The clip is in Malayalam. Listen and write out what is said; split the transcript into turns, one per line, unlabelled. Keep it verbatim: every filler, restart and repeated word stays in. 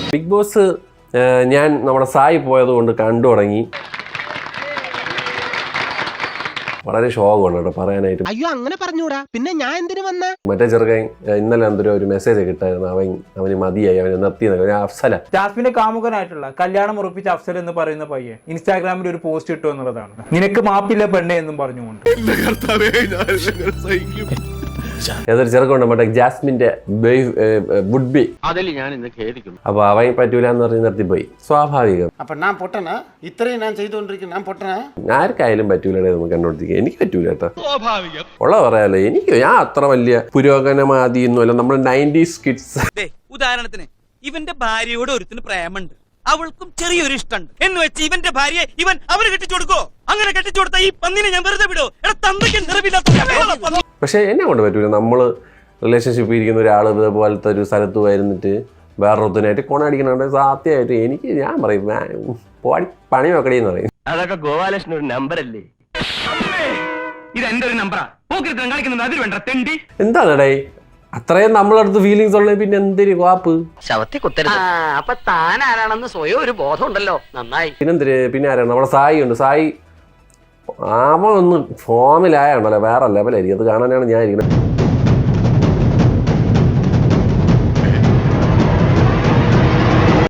ബിഗ് ബോസ് ഞാൻ നമ്മുടെ സായി പോയത് കൊണ്ട് കണ്ടു തുടങ്ങി. വളരെ ശോകമാണ് കേട്ടോ പറയാനായിട്ട്.
അയ്യോ അങ്ങനെ പറഞ്ഞൂടാ, പിന്നെ ഞാൻ എന്തിനു വന്ന
മറ്റേ ചെറുക്കൻ ഇന്നലെ എന്തൊരു ഒരു മെസ്സേജ് കിട്ടായിരുന്നു, അവൻ അവന് മതിയായി, അവന് നിർത്തി. അഫ്സല
ജാസ്മിന്റെ കാമുകനായിട്ടുള്ള കല്യാണം ഉറപ്പിച്ച അഫ്സൽ എന്ന് പറയുന്ന പയ്യൻ ഇൻസ്റ്റാഗ്രാമിൽ ഒരു പോസ്റ്റ് ഇട്ടു എന്നുള്ളതാണ്. നിനക്ക് മാപ്പില്ല പെണ്ണെ എന്നും പറഞ്ഞുകൊണ്ട്
ഏതൊരു ചെറുക്കുണ്ട് മറ്റേ ജാസ്മിന്റെ വുഡ് ബി, അപ്പൊ അവൻ പറ്റൂല എന്ന് പറഞ്ഞ് നിർത്തിപ്പോയി. സ്വാഭാവികം. ആർക്കായാലും പറ്റൂലേ നമുക്ക് കണ്ടുപിടിക്കുക. എനിക്ക് പറ്റൂല കേട്ടോ, ഉള്ള പറയാലോ. എനിക്ക് ഞാൻ അത്ര വലിയ പുരോഗമനവാദി ഒന്നുമല്ല. നമ്മൾ നയൻറ്റീസ് കിഡ്സ്.
ഉദാഹരണത്തിന് ഇവന്റെ ഭാര്യയോട് ഒരുത്തിന് പ്രേമുണ്ട്, അവൾക്കും ചെറിയൊരു ഇഷ്ടമുണ്ട് എന്ന് വെച്ച് ഇവന്റെ ഭാര്യയെ ഇവൻ അവന് കെട്ടിച്ചു കൊടുക്കോ? അങ്ങനെ കെട്ടിച്ചു കൊടുത്ത ഈ പന്നിനെ ഞാൻ വെറുതെ വിടോ?
പക്ഷെ എന്നെ കൊണ്ട് പറ്റൂല. നമ്മള് റിലേഷൻഷിപ്പ് ഇരിക്കുന്ന ഒരാൾ ഇതുപോലത്തെ ഒരു സ്ഥലത്ത് വരുന്നിട്ട് വേറൊരുത്തനായിട്ട് കൊണടിക്കണുണ്ട്. സത്യമായിട്ട് എനിക്ക് ഞാൻ പറയും പോടി പണി വെക്കടിയെന്ന് പറയും.
അതൊക്കെ ഗോപാലകൃഷ്ണൻ ഒരു നമ്പർ അല്ലേ? ഇത് എന്റെ ഒരു നമ്പറാ.
എന്താണടേ അത്രയും നമ്മളടുത്ത് ഫീലിങ്സ് ഉള്ളത്, പിന്നെ എന്തൊരു വാപ്പ്
ശവത്തി കുത്തരുത്. അപ്പൊ താൻ ആരാണെന്ന് സ്വയം ഒരു ബോധം ഉണ്ടല്ലോ, നന്നായി.
പിന്നെന്തിര് പിന്നെ ആരാണ് നമ്മുടെ സായി ഉണ്ട്. സായി അവൻ ഒന്ന് ഫോമിലായുണ്ടല്ലോ വേറെ ലെവലായിരിക്കും. അത് കാണാനാണ് ഞാൻ ഇരിക്കുന്നത്.